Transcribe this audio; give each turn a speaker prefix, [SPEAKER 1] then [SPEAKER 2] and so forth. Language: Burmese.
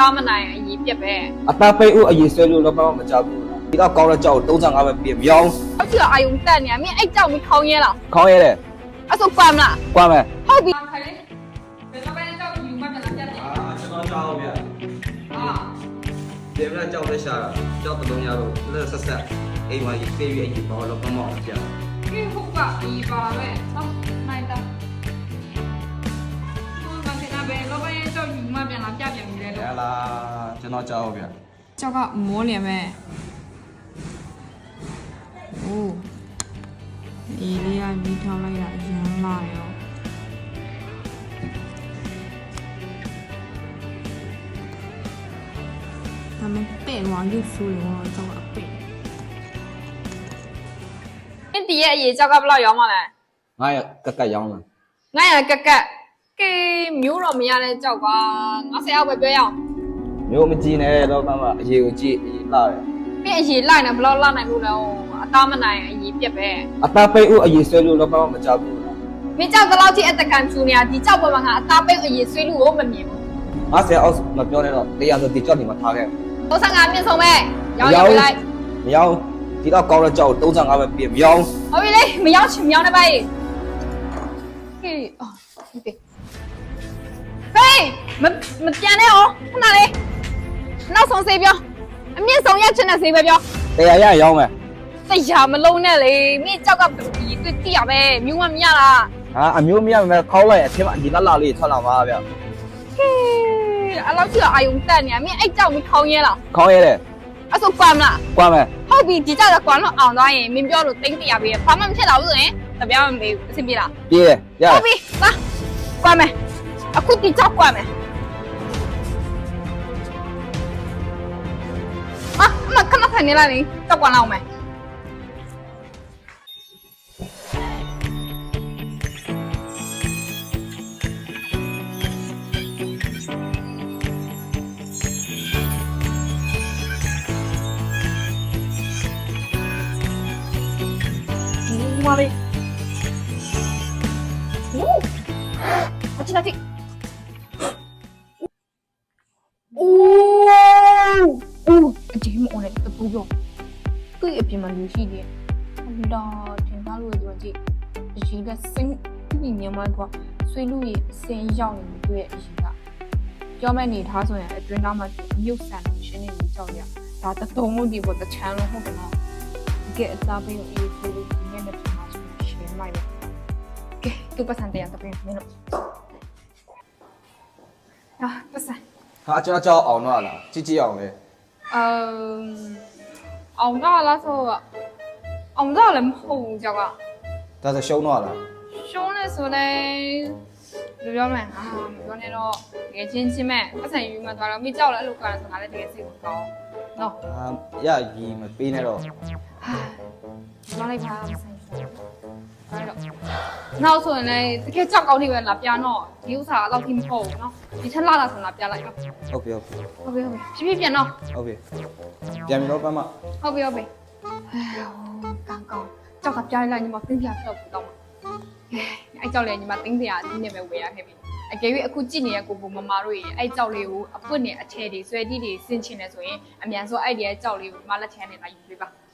[SPEAKER 1] သားမနိုင်အရေးပြက်ပဲ
[SPEAKER 2] အသားပိတ်ဦးအရေးဆွဲလို့တော့ဘာမှမကြောက်ဘူးဒီတော့ကောင်းတဲ့ကြောက်35ပဲပြင်မရောင်း
[SPEAKER 1] ဟုတ်ချီအာယုံတက်နေမင်းအဲ့ကြောက်မခေါင်းရဲလား
[SPEAKER 2] ခေါင်းရဲတယ်
[SPEAKER 1] အဲ့ဆိုကွာမလား
[SPEAKER 2] ကွာမယ်
[SPEAKER 1] ဟုတ်ပြီခိုင်လေဘယ်တော့ပဲကြောက်ယူမှပြန်လာပြတ်တယ်
[SPEAKER 2] ကျွန်တော်ကြောက်ဗျာဒီမလားကြောက်လက်ရှာတာကြောက်တုံးရတော့လက်ဆက်ဆက်အိမ်မှာရေးသေးပြီးအရေးပေါ်တော့ဘာမှမပြတ်
[SPEAKER 1] ဒီဟုတ်ကဒီပါပဲဟုတ်နိုင်တာဘယ်မှာခဏပဲလောဘရဲ့ကြောက်ယူမှပြန်လာပြတ်ပြန်ပြီလေ
[SPEAKER 2] ဟဲ့လားကျွန်တော်ကြောက်ဗျာ
[SPEAKER 1] ကြောက်ကမောလျင်မဲ့โอ้ဒီလေးကမိထောင်းလိုက်တာရမ်းလာရောဒါမှပဲ့ဝါရုပ်ဆိုးရောကြောက်အပိတ်အင်းဒီရဲ့အရေးကြောက်ကဘယ်လောက်ရောင်းမလဲ
[SPEAKER 2] 900ကက်ရောင်းလား
[SPEAKER 1] 900ကက်ကကေမျိုးတော့မရတဲ့ကြောက်က90အောက်ပဲပြောရအောင်
[SPEAKER 2] မျိုးမကြည့်နဲ့တော့မှအရေးကိုကြည့်အရေးလာတယ်
[SPEAKER 1] ပြင်အရေးလိုက်နေဘယ်လောက်လာနိုင်လို့လဲအသားမနိုင်အရေးပြက်ပဲ
[SPEAKER 2] အသားပိတ်ဦးအရေးဆွဲလို့တော့ဘာမှမကြောက်ဘူး
[SPEAKER 1] မင်းကြောက်တော့ထိအတကန်ဖြူနေတာဒီကြောက်ပေါ်မှာငါအသားပိတ်အရေးဆွဲလို့ကိုမမြင်ဘူး
[SPEAKER 2] 90အောက်မပြောနဲ့တော့တရားဆိုဒီကြောက်နေမှာထားခဲ့
[SPEAKER 1] 35မြင့်ဆုံးပဲရောင်းရလိုက်
[SPEAKER 2] မရောင်းဒီတော့ကောင်းတဲ့ကြောက်35ပဲပြင်မရောင်း
[SPEAKER 1] ဟုတ်ပြီလေမရောင်းချင်မရောင်းနေပါ့ဟေးအော်ဒီဟေးမပြန်နဲ့哦ခဏလေးနောက်ဆုံးစေးပြောအမြင့်ဆုံးရက်ချင်တဲ့စေးပဲပြော
[SPEAKER 2] တရားရရောင်းမယ်
[SPEAKER 1] တရားမလုံးနဲ့လေမင်းကြောက်ကဒီတွေ့တိရပဲမျိုးမမရလား
[SPEAKER 2] ဟာအမျိုးမရမယ်ခေါင်းလိုက်အထင်မှာဒီလာလေးထွက်လာပါဗျ
[SPEAKER 1] ဟေးအဲ့လောက်ကြီးအာယုံတက်နေမင်းအဲ့ကြောက်မခေါင်းရဲလား
[SPEAKER 2] ခေါင်းရဲတယ်
[SPEAKER 1] အဲ့ဆိုကွာမလား
[SPEAKER 2] ကွာမယ်
[SPEAKER 1] ဟုတ်ပြီဒီကြောက်ကကွာတော့အောင်သွားရင်မင်းပြောလို့တင်းတရားပေးဘာမှမဖြစ်တော့ဘူးဆိုရင်တပြားမပေးဘူးအဆင်ပြေလား
[SPEAKER 2] ပြေးရ
[SPEAKER 1] ဟုတ်ပြီသွားကွာမယ်အခုဒီကြောက်ကွာမယ်အမခဏထိုင်နေလိုက်လေကြောက်ကွာလောက်မယ်妈嘞！哦，我进来进。哦，这么我嘞，都不用。这一边嘛游戏的，那听他录的东西，就是一个新一年嘛个，水路也先要你对一些的。要么你他说呀，对那么有三学那个教练，他的动物的我的全了后边嘛，给大朋友一些的经验的。Okay, tu pesan dia tapi minum. Ah, pesan.
[SPEAKER 2] ဟာကျွန်တော်ကြောက်အောင်တော့လားကြည့်ကြည့်အောင်လေ
[SPEAKER 1] အောင်တော့လားဆိုအောင်တော့လည်းမဟုတ်ဘူးကြောက်က
[SPEAKER 2] ဒါဆိုရှုံးတော့လား
[SPEAKER 1] ရှုံးနေဆိုလဲဘယ်ပြောမလဲမပြောနဲ့တော့တကယ်ချင်းချင်းမဲ့ပတ်စံယူမှသွားတော့မိကြောက်လည်းအဲ့လိုကဆိုငါလည်းတကယ်စိတ်မကောင်းနော်
[SPEAKER 2] ရရီမပေးနဲ့တော့
[SPEAKER 1] ဟာပြောလိုက်ပါဆိုင်အဲ့တော့နောက်ဆိုရင်လည်းတကယ်ကြောက်ကောင်းနေပဲလာပြန်တော့ဒီဥစ္စာအတော့ထိမဟုတ်ဘူးနော်ဒီထက်လာဆိုလာပြန်လိုက်တော့
[SPEAKER 2] ဟုတ်ပြီ
[SPEAKER 1] ဖြည်းဖြည်းပြန်တော့
[SPEAKER 2] ဟုတ်ပြီပြန်ပြီတော့ပတ်မ
[SPEAKER 1] ဟုတ်ပြီကောင်းကြောက်ကပြန်လိုက်ညီမတင်းပြတော့ဘူးတော့အဲ့ကြောက်လေညီမတင်းစရာဒီနေ့ပဲဝယ်ရခဲ့ပြီအကယ်၍အခုကြည့်နေတဲ့ကိုမမတို့ရေအဲ့ကြောက်လေးကိုအပွတ်နဲ့အထည်တွေဆွဲတိတွေဆင်ချင်နေဆိုရင်အမြန်ဆုံးအဲ့ဒီရဲ့ကြောက်လေးကိုမလက်ချမ်းနဲ့လာယူပေးပါ